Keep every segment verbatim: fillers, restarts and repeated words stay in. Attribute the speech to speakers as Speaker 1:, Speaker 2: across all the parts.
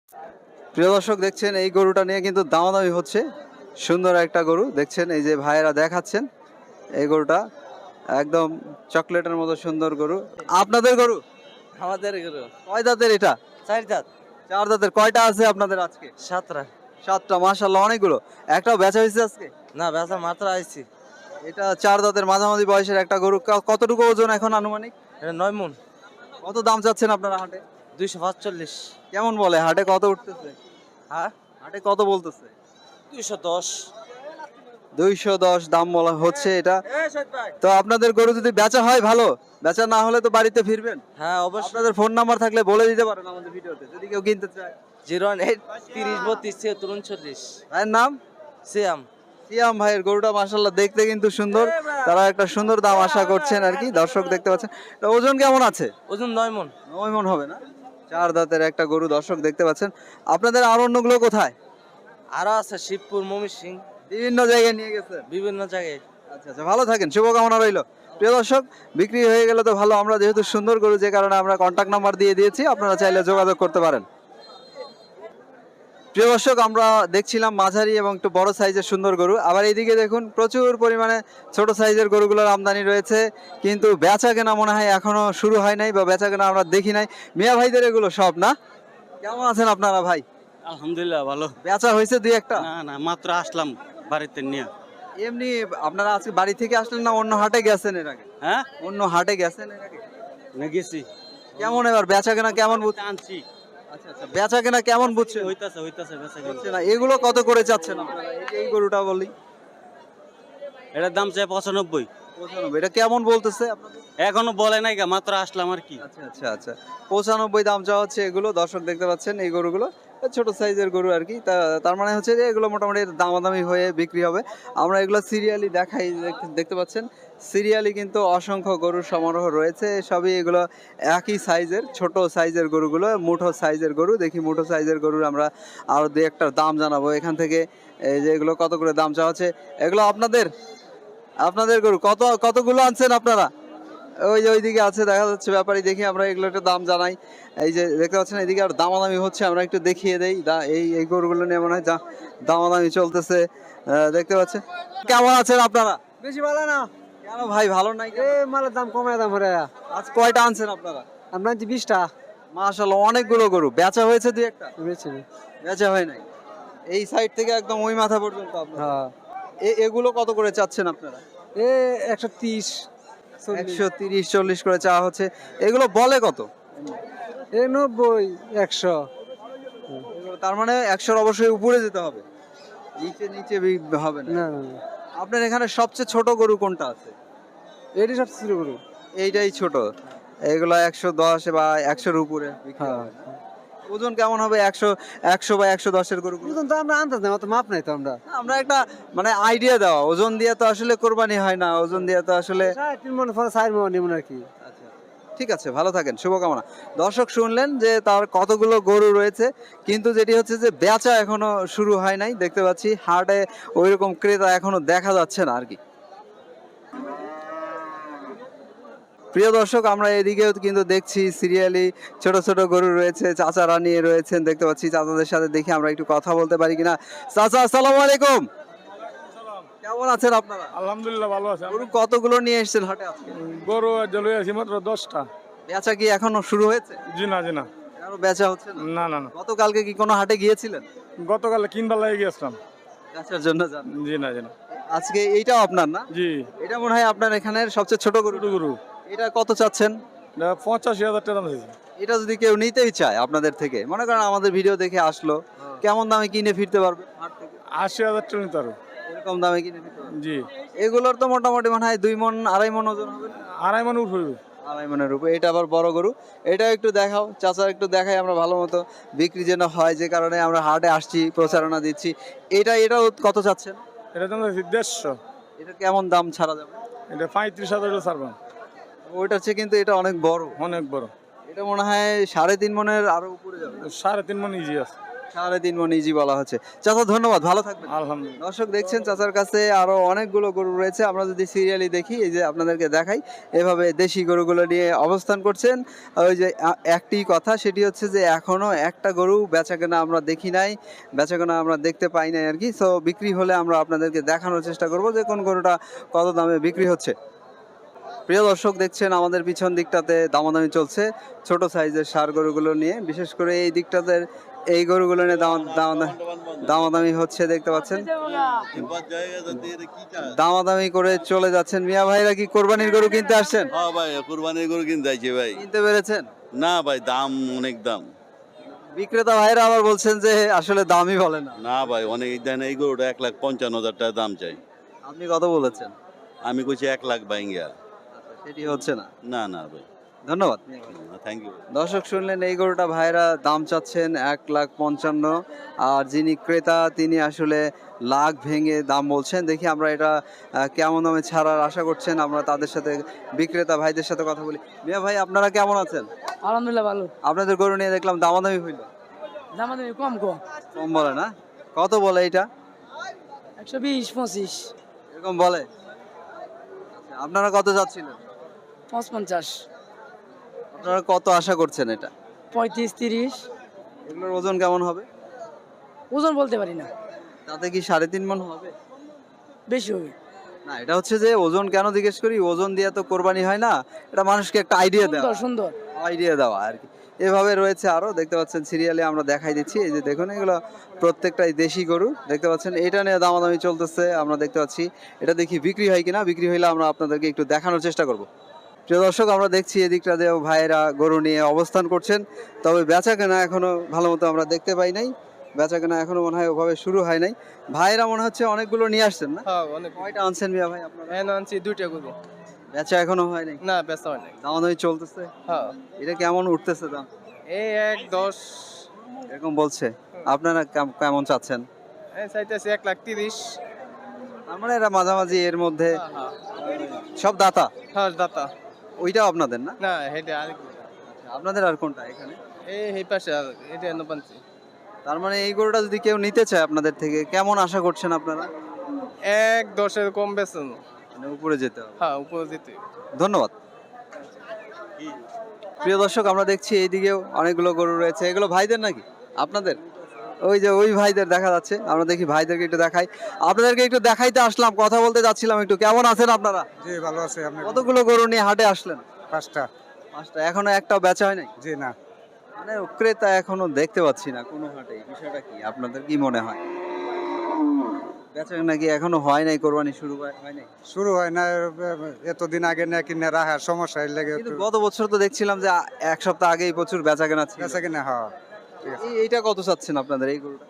Speaker 1: প্রিয় দর্শক দেখছেন এই গরুটা নিয়ে কিন্তু দামাদামি হচ্ছে। সুন্দর একটা গরু দেখছেন, এই যে ভাইয়েরা দেখাচ্ছেন এই গরুটা একদম চকলেটের মতো সুন্দর গরু। আপনাদের গরু?
Speaker 2: আমাদের গরু
Speaker 1: কয় দাঁতের এটা?
Speaker 2: চার দাঁত।
Speaker 1: চার দাঁতের। কয়টা আছে আপনাদের আজকে?
Speaker 2: সাতটা।
Speaker 1: সাতটা, মাশাআল্লাহ অনেকগুলো। একটাও বেচা হয়েছে আজকে?
Speaker 2: না, বেচা মাত্র আইছি।
Speaker 1: এটা চার দাঁতের মাঝামাঝি বয়সের একটা গরু। ক- কতটুকু ওজন এখন আনুমানিক?
Speaker 2: এটা নয় মন।
Speaker 1: কত দাম চাচ্ছেন আপনারা হাটে?
Speaker 2: দুইশো পাঁচচল্লিশ।
Speaker 1: কেমন বলে হাটে কত উঠতেছে?
Speaker 2: হ্যাঁ,
Speaker 1: হাটে কত বলতেছে?
Speaker 2: দুইশো দশ।
Speaker 1: দুইশো দশ দাম বলা হচ্ছে এটা। তো আপনাদের গরু যদি বেচা হয় ভালো, বেচা না হলে তো বাড়িতে ফিরবেন।
Speaker 2: হ্যাঁ অবশ্যই।
Speaker 1: আপনাদের ফোন নাম্বার থাকলে বলে দিতে পারেন আমাদের ভিডিওতে যদি কেউ কিনতে চায়।
Speaker 2: জিরো ওয়ান এইট তিরিশ বত্রিশ ছিয়াত্তর উনচল্লিশ।
Speaker 1: ভাইয়ের নাম?
Speaker 2: সিয়াম।
Speaker 1: সিয়াম ভাইয়ের গরুটা মাশাআল্লাহ দেখতে কিন্তু সুন্দর। তারা একটা সুন্দর দাম আশা করছেন আর কি, দর্শক দেখতে পাচ্ছেন। এটা ওজন কেমন আছে?
Speaker 2: ওজন নয় মন।
Speaker 1: নয় মন হবে না? চার দাঁতের একটা গরু দর্শক দেখতে পাচ্ছেন। আপনাদের আর অন্যগুলো কোথায়?
Speaker 2: আরো আছে শিবপুর, ময়মনসিং,
Speaker 1: বিভিন্ন জায়গায় নিয়ে গেছেন।
Speaker 2: বিভিন্ন জায়গায়।
Speaker 1: আচ্ছা আচ্ছা, ভালো থাকেন, শুভকামনা রইল। প্রিয় দর্শক, বিক্রি হয়ে গেলে তো ভালো। আমরা যেহেতু সুন্দর গরু, যে কারণে আমরা কন্টাক্ট নাম্বার দিয়ে দিয়েছি, আপনারা চাইলে যোগাযোগ করতে পারেন। প্রিয় দর্শক, আমরা দেখছিলাম মাঝারি এবং একটু বড় সাইজের সুন্দর গরু। আবার এইদিকে দেখুন প্রচুর পরিমাণে ছোট সাইজের গরুগুলোর আমদানি রয়েছে, কিন্তু বেচা কেনা মনে হয় এখনো শুরু হয় নাই, বা বেচা কেনা আমরা দেখি নাই। মিয়া ভাইদের এগুলো সব না? কেমন আছেন আপনারা ভাই?
Speaker 3: আলহামদুলিল্লাহ ভালো।
Speaker 1: বেচা হয়েছে দুই একটা?
Speaker 3: না না, মাত্র আসলাম বাড়িতে নিয়ে।
Speaker 1: এমনি আপনারা আজকে বাড়ি থেকে আসলেন না অন্য হাটে গেছেন এর আগে?
Speaker 3: হ্যাঁ,
Speaker 1: অন্য হাটে গেছেন এর আগে?
Speaker 3: না গেছি।
Speaker 1: কেমন এবার বেচা কেনা কেমন বুঝছেন?
Speaker 3: আনছি।
Speaker 1: আচ্ছা আচ্ছা, বেচা কেনা কেমন বুঝছেন?
Speaker 3: হইতাছে হইতাছে বেচা কেনা।
Speaker 1: হচ্ছে না। এগুলো কত করে চাচ্ছেন আপনারা? এই যে এই গরুটা বলি,
Speaker 3: এটার দাম চাই পঁচানব্বই।
Speaker 1: পঁচানব্বই। এটা কেমন বলতেছে আপনাদের?
Speaker 3: এখনো বলে নাই গা, মাত্র আসলাম আর কি।
Speaker 1: আচ্ছা আচ্ছা আচ্ছা, পঁচানব্বই দাম চাওয়া হচ্ছে এগুলো। দর্শক দেখতে পাচ্ছেন এই গরুগুলো ছোট সাইজের গরু আর কি। তা- তার মানে হচ্ছে যে এগুলো মোটামুটি দামাদামি হয়ে বিক্রি হবে। আমরা এগুলো সিরিয়ালি দেখাই, দেখ- দেখতে পাচ্ছেন সিরিয়ালি কিন্তু অসংখ্য গরুর সমারোহ রয়েছে। সবই এগুলো একই সাইজের, ছোট সাইজের গরুগুলো, মুঠো সাইজের গরু। দেখি মুঠো সাইজের গরুর আমরা আরো দু একটা দাম জানাবো এখান থেকে। এই যে এগুলো কত করে দাম চাওয়া হচ্ছে? এগুলো আপনাদের আপনাদের গরু কত কতগুলো আনছেন আপনারা? ওই যে ওইদিকে আছে দেখা যাচ্ছে ব্যাপারী, দেখি আমরা এগুলো একটু দাম জানাই। এই যে দেখতে পাচ্ছেন এদিকে আর দামাদামি হচ্ছে, আমরা একটু দেখিয়ে দেই। দা- এই এই গরুগুলো নিয়ে মনে হয় যা দামাদামি চলতেছে। আহ, দেখতে পাচ্ছেন। কেমন আছেন আপনারা?
Speaker 2: বেশি ভালো না।
Speaker 1: কেন ভাই ভালো নাই কেন?
Speaker 2: এই মালের দাম কমে দাম হরে।
Speaker 1: আজ কয়টা আনছেন আপনারা?
Speaker 2: আমরা যে বিশটা
Speaker 1: মাশাআল্লাহ অনেকগুলো গরু। বেচা হয়েছে দুই একটা?
Speaker 2: বেশি।
Speaker 1: বেচা হয় নাই। এই সাইড থেকে একদম ওই মাথা পর্যন্ত আপনারা।
Speaker 2: হ্যাঁ,
Speaker 1: এ- এগুলো কত করে চাচ্ছেন আপনারা?
Speaker 2: এ একশো তিরিশ।
Speaker 1: একশো তিরিশ চল্লিশ করে চাওয়া হচ্ছে। এগুলো বলে কত?
Speaker 2: এ নব্বই একশো।
Speaker 1: এগুলো তার মানে একশোর অবশ্যই উপরে যেতে হবে, নিচে নিচে বি- হবে না।
Speaker 2: না না না,
Speaker 1: আপনার এখানে সবচেয়ে ছোট গরু কোনটা আছে?
Speaker 2: এটি সব ছিল গরু।
Speaker 1: এইটাই ছোট। এগুলো একশো দশ বা একশোর উপরে বিক্রি
Speaker 2: হ্যাঁ,
Speaker 1: হবে। ওজন কেমন হবে একশো একশো বা একশো দশের গরু?
Speaker 2: ওজন তো আমরা আনতাম না, অত মাপ নাই তো আমরা।
Speaker 1: আমরা একটা মানে আইডিয়া দেওয়া, ওজন দিয়ে তো আসলে কোরবানি হয় না, ওজন দিয়ে তো আসলে।
Speaker 2: সাড়ে তিন মন পরে চার মন এমন আর কি।
Speaker 1: ঠিক আছে, ভালো থাকেন, শুভকামনা। দর্শক শুনলেন যে তার কতগুলো গরু রয়েছে, কিন্তু যেটি হচ্ছে যে বেচা এখনো শুরু হয় নাই। দেখতে পাচ্ছি হাটে ওইরকম ক্রেতা এখনো দেখা যাচ্ছে না আর কি। প্রিয় দর্শক, আমরা এদিকেও কিন্তু দেখছি সিরিয়ালি ছোট ছোট গরু রয়েছে, চাচারা নিয়ে রয়েছেন। দেখতে পাচ্ছি চাচাদের সাথে দেখি আমরা একটু কথা বলতে পারি কিনা। চাচা আসসালামু আলাইকুম, কেমন আছেন আপনারা?
Speaker 4: আলহামদুলিল্লাহ ভালো আছে।
Speaker 1: গরু কতগুলো নিয়ে এসেছেন হাটে আজকে?
Speaker 4: গরু জলে আছি মাত্র দশটা।
Speaker 1: বেচা কি এখনো শুরু হয়েছে?
Speaker 4: জি না জি না
Speaker 1: আরো বেচা হচ্ছে না?
Speaker 4: না না না,
Speaker 1: গতকালকে কি কোনো হাটে গিয়েছিলেন
Speaker 4: গতকালে কিনবার লাগে গিয়েছিলাম।
Speaker 1: বেচার জন্য? যান
Speaker 4: জি না জি না
Speaker 1: আজকে এইটাও আপনার না?
Speaker 4: জি,
Speaker 1: এটা মনে হয় আপনার এখানের সবচেয়ে ছোট গরু।
Speaker 4: ছোট গরু
Speaker 1: এটা কত চাচ্ছেন?
Speaker 4: এটা পঁচাশি হাজার টাকা দাম আছে।
Speaker 1: এটা যদি কেউ নিতেই চায় আপনাদের থেকে, মনে করেন আমাদের ভিডিও দেখে আসলো, কেমন দামে কিনে ফিরতে পারবে হাট থেকে?
Speaker 4: আশি হাজার টাকা নিতে পারো।
Speaker 1: এরকম দামে কিনে ফিরতে পারবে?
Speaker 4: জি,
Speaker 1: এগুলোর তো মোটামুটি মনে হয় দুই মন আড়াই মন ওজন হবে না?
Speaker 4: আড়াই মান উঠবে।
Speaker 1: আড়াই মনের উপরে। এটা আবার বড় গরু। এটা একটু দেখাও চাচা, একটু দেখাই আমরা ভালো মতো, বিক্রি যেন হয়, যে কারণে আমরা হাটে আসছি, প্রচারণা দিচ্ছি। এটা এটাও কত চাচ্ছেন?
Speaker 4: এটা দাম আছে দেড়শো।
Speaker 1: এটা কেমন দাম ছাড়া যাবে?
Speaker 4: এটা পঁয়ত্রিশ হাজার ছাড়বেন।
Speaker 1: ওইটা হচ্ছে কিন্তু এটা অনেক বড়।
Speaker 4: অনেক বড়।
Speaker 1: এটা মনে হয় সাড়ে তিন মনের আরো উপরে যাবে।
Speaker 4: সাড়ে তিন মান ইজি আছে।
Speaker 1: সাড়ে তিন মন ইজি বলা হচ্ছে। চাচা ধন্যবাদ, ভালো থাকবেন।
Speaker 4: আলহামদুলিল্লাহ।
Speaker 1: দর্শক দেখছেন চাচার কাছে আরো অনেকগুলো গরু রয়েছে। আমরা যদি সিরিয়ালি দেখি, এই যে আপনাদেরকে দেখাই, এভাবে দেশি গরুগুলো নিয়ে অবস্থান করছেন। ওই যে আ- একটি কথা, সেটি হচ্ছে যে এখনো একটা গরু বেচাকেনা আমরা দেখি নাই, বেচাকেনা আমরা দেখতে পাই নাই আর কি। সো বিক্রি হলে আমরা আপনাদেরকে দেখানোর চেষ্টা করব যে কোন গরুটা কত দামে বিক্রি হচ্ছে। প্রিয় দর্শক দেখছেন আমাদের পিছন দিকটাতে দামাদামি চলছে ছোট সাইজের ষাঁড় গরুগুলো নিয়ে, বিশেষ করে এই দিকটাতে এই গরুগুলো নিয়ে দাম- দাম- দামাদামি হচ্ছে দেখতে পাচ্ছেন। দামাদামি করে চলে যাচ্ছেন। মিয়া ভাইরা কি কোরবানির গরু কিনতে আসছেন?
Speaker 5: হ্যাঁ ভাই, কুরবানির গরু কিনতে যাইছে ভাই।
Speaker 1: কিনতে পেরেছেন?
Speaker 5: না ভাই, দাম অনেক দাম।
Speaker 1: বিক্রেতা ভাইরা আবার বলছেন যে আসলে দামই বলে না।
Speaker 5: না ভাই, অনেক দেন। এই গরুটা এক লাখ পঞ্চান্ন হাজার টাকা দাম চাই।
Speaker 1: আপনি কত বলেছেন?
Speaker 5: আমি কইছি এক লাখ বাইঙ্গা।
Speaker 1: সেটি হচ্ছে না।
Speaker 5: না না ভাই,
Speaker 1: ধন্যবাদ।
Speaker 5: Thank you.
Speaker 1: দর্শক শুনলেন, এই গরুটা ভাইরা দাম চাচ্ছেন এক লাখ পঞ্চান্ন, আর যিনি ক্রেতা তিনি আসলে লাখ ভেঙে দাম বলছেন। দেখি আমরা এটা আহ, কেমন দামে ছাড়ার আশা করছেন, আমরা তাদের সাথে বিক্রেতা ভাইদের সাথে কথা বলি। মিয়া ভাই, আপনারা কেমন আছেন?
Speaker 6: আলহামদুলিল্লাহ ভালো।
Speaker 1: আপনাদের গরু নিয়ে দেখলাম দামাদামি হইল,
Speaker 6: দামাদামি কম কম,
Speaker 1: কম বলে না? কত বলে এটা?
Speaker 6: একশো বিশ পঁচিশ
Speaker 1: এরকম বলে? আপনারা কত যাচ্ছিলেন?
Speaker 6: পাঁচ পঞ্চাশ
Speaker 1: আপনারা কত আশা করছেন এটা?
Speaker 6: পঁয়ত্রিশ তিরিশ।
Speaker 1: এগুলোর ওজন কেমন হবে?
Speaker 6: ওজন বলতে পারি না,
Speaker 1: তাতে কি সাড়ে তিন মন হবে?
Speaker 6: বেশি হবে।
Speaker 1: না, এটা হচ্ছে যে ওজন কেন জিজ্ঞেস করি, ওজন দিয়ে তো কোরবানি হয় না, এটা মানুষকে একটা আইডিয়া দেওয়া,
Speaker 6: সুন্দর সুন্দর।
Speaker 1: আইডিয়া দেওয়া আর কি। এভাবে রয়েছে আরো, দেখতে পাচ্ছেন সিরিয়ালে আমরা দেখাই দিচ্ছি। এই যে দেখুন, এগুলো প্রত্যেকটাই দেশি গরু দেখতে পাচ্ছেন। এটা নিয়ে দামাদামি চলতেছে, আমরা দেখতে পাচ্ছি। এটা দেখি বিক্রি হয় কিনা, বিক্রি হইলে আমরা আপনাদেরকে একটু দেখানোর চেষ্টা করব। প্রিয় দর্শক, আমরা দেখছি এদিকটা দিয়েও ভাইয়েরা গরু নিয়ে অবস্থান করছেন, তবে বেচা কেনা এখনো ভালো মতো আমরা দেখতে পাই নাই। বেচা কেনা এখনো মনে হয় ওভাবে শুরু হয় নাই। ভাইয়েরা মনে হচ্ছে অনেকগুলো নিয়ে আসছেন না?
Speaker 2: হ্যাঁ অনেক।
Speaker 1: কয়টা আনছেন মিয়া ভাই আপনারা?
Speaker 2: হ্যাঁ আনছি দুইটা গরু।
Speaker 1: বেচা এখনো হয় নাই?
Speaker 2: না বেচা হয় নাই।
Speaker 1: দামাদামি চলতেছে।
Speaker 2: হ্যাঁ
Speaker 1: এটা কেমন উঠতেছে দাম?
Speaker 2: এই এক দশ
Speaker 1: এরকম বলছে। আপনারা কেম- কেমন চাচ্ছেন?
Speaker 2: এই চাইতেছি এক লাখ তিরিশ।
Speaker 1: তার মানে এরা মাঝামাঝি এর মধ্যে
Speaker 2: হ্যাঁ
Speaker 1: সব দাতা।
Speaker 2: হ্যাঁ দাতা।
Speaker 1: ওইটাও আপনাদের না?
Speaker 2: না হেডে আর
Speaker 1: আপনাদের আর কোনটা এখানে?
Speaker 2: এই এই পাশে আর এটা নবানছি।
Speaker 1: তার মানে এই গরুটা যদি কেউ নিতে চায় আপনাদের থেকে, কেমন আশা করছেন আপনারা?
Speaker 2: এক দশের কম বেচন।
Speaker 1: মানে উপরে যেতে হবে।
Speaker 2: হ্যাঁ উপরে যেতে।
Speaker 1: ধন্যবাদ। প্রিয় দর্শক, আমরা দেখছি এইদিকেও অনেকগুলো গরু রয়েছে। এগুলো ভাইদের নাকি আপনাদের? ওই যে ওই ভাইদের দেখা যাচ্ছে, আমরা দেখি ভাইদেরকে একটু দেখাই। আপনাদেরকে একটু দেখাইতে আসলাম, কথা বলতে যাচ্ছিলাম একটু। কেমন আছেন আপনারা?
Speaker 2: জি ভালো আছে। আপনি?
Speaker 1: কতগুলো গরু নিয়ে হাটে আসলেন?
Speaker 2: পাঁচটা।
Speaker 1: পাঁচটা। এখনো একটাও বেচা হয় নাই?
Speaker 2: জি না।
Speaker 1: মানে ক্রেতা এখনো দেখতে পাচ্ছি না কোনো হাটে। বিষয়টা কি, আপনাদের কি মনে হয়? বেচা নাকি এখনো হয় নাই, কোরবানি শুরু হয় হয় নাই?
Speaker 2: শুরু হয় না, এতদিন আগে না কিনে রাখার সমস্যা এর লাগে
Speaker 1: কিন্তু গত বছর তো দেখছিলাম যে আ- এক সপ্তাহ আগেই প্রচুর বেচা কেনা ছিল।
Speaker 2: বেচা কিনা। হ্যাঁ
Speaker 1: এই- এইটা কত চাচ্ছেন আপনাদের এই গরুটা?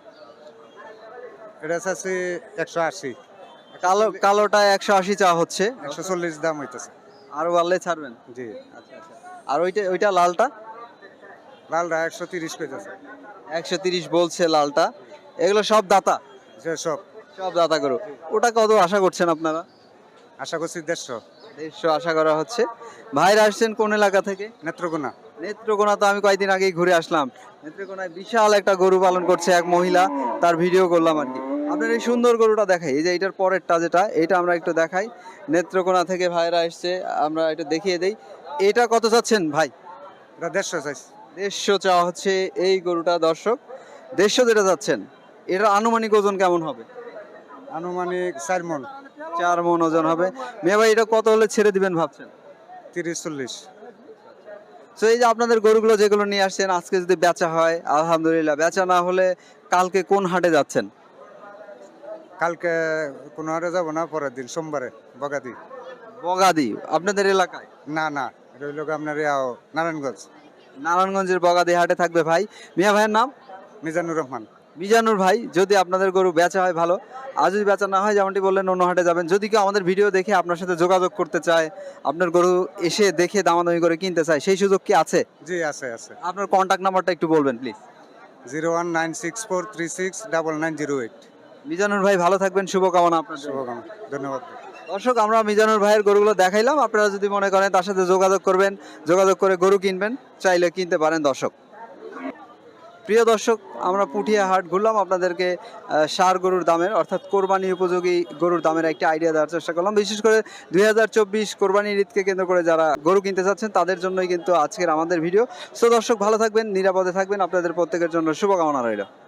Speaker 2: এটা চাচ্ছি একশো আশি।
Speaker 1: কালো কালোটা একশো আশি চা হচ্ছে,
Speaker 2: একশো চল্লিশ দাম হইতেছে।
Speaker 1: আরো বাড়লে ছাড়বেন?
Speaker 2: জি।
Speaker 1: আচ্ছা আচ্ছা। আর ওইটা ওইটা লালটা
Speaker 2: লালটা একশো তিরিশ পেতেছে।
Speaker 1: একশো তিরিশ বলছে লালটা। এগুলো সব দাতা?
Speaker 2: যে সব
Speaker 1: সব দাতা গরু। ওটা কত আশা করছেন আপনারা?
Speaker 2: আশা করছি দেড়শো।
Speaker 1: দেড়শো আশা করা হচ্ছে। ভাইরা আসছেন কোন এলাকা থেকে?
Speaker 2: নেত্রকোনা।
Speaker 1: নেত্রকোনা তো আমি কয়েকদিন আগেই ঘুরে আসলাম। নেত্রকোনায় বিশাল একটা গরু পালন করছে এক মহিলা, তার ভিডিও করলাম আর কি। আপনার এই সুন্দর গরুটা দেখাই, এই যে এটার পরেরটা যেটা, এটা আমরা একটু দেখাই। নেত্রকোনা থেকে ভাইরা আসছে, আমরা এটা দেখিয়ে দেই। এটা কত চাচ্ছেন ভাই?
Speaker 2: এটা দেড়শো চাইছি।
Speaker 1: দেড়শো চাওয়া হচ্ছে এই গরুটা। দর্শক, দেড়শো যেটা যাচ্ছেন, এটা আনুমানিক ওজন কেমন হবে?
Speaker 2: আনুমানিক চার মন।
Speaker 1: চার মন ওজন হবে। মেয়ে ভাই, এটা কত হলে ছেড়ে দিবেন ভাবছেন?
Speaker 2: তিরিশ চল্লিশ।
Speaker 1: তো এই যে আপনাদের গরুগুলো যেগুলো নিয়ে আসছেন, আজকে যদি বেচা হয় আলহামদুলিল্লাহ, বেচা না হলে কালকে কোন হাটে যাচ্ছেন?
Speaker 2: কালকে কোনো হাটে যাবো না, পরের দিন সোমবারে বগাদি।
Speaker 1: বগাদি আপনাদের এলাকায়?
Speaker 2: না না, এটা হইল আপনার ইয়াও নারায়ণগঞ্জ।
Speaker 1: নারায়ণগঞ্জের বগাদি হাটে থাকবে ভাই। মিয়া ভাইয়ের নাম?
Speaker 2: মিজানুর রহমান।
Speaker 1: মিজানুর ভাই, যদি আপনাদের গরু বেচা হয় ভালো, আর যদি বেচা না হয় যেমনটি বললেন অন্য হাটে যাবেন। যদি কেউ আমাদের ভিডিও দেখে আপনার সাথে যোগাযোগ করতে চায়, আপনার গরু এসে দেখে দামাদামি করে কিনতে চায়, সেই সুযোগ কি আছে?
Speaker 2: জি আছে আছে।
Speaker 1: আপনার কন্ট্যাক্ট নাম্বারটা একটু বলবেন please.
Speaker 2: Zero one nine six four three six double nine zero eight.
Speaker 1: Mizanur ভাই ভালো থাকবেন, শুভকামনা আপনার জন্য।
Speaker 2: শুভকামনা, ধন্যবাদ।
Speaker 1: দর্শক, আমরা মিজানুর ভাইয়ের গরুগুলো দেখাইলাম। আপনারা যদি মনে করেন তার সাথে যোগাযোগ করবেন, যোগাযোগ করে গরু কিনবেন, চাইলে কিনতে পারেন। দর্শক, প্রিয় দর্শক, আমরা পুঠিয়া হাট ঘুরলাম, আপনাদেরকে আহ, ষাঁড় গরুর দামের অর্থাৎ কোরবানি উপযোগী গরুর দামের একটা আইডিয়া দেওয়ার চেষ্টা করলাম। বিশেষ করে দুই হাজার চব্বিশ কোরবানির ঈদকে কেন্দ্র করে যারা গরু কিনতে চাচ্ছেন তাদের জন্যই কিন্তু আজকের আমাদের ভিডিও। সো দর্শক, ভালো থাকবেন, নিরাপদে থাকবেন, আপনাদের প্রত্যেকের জন্য শুভকামনা রইল।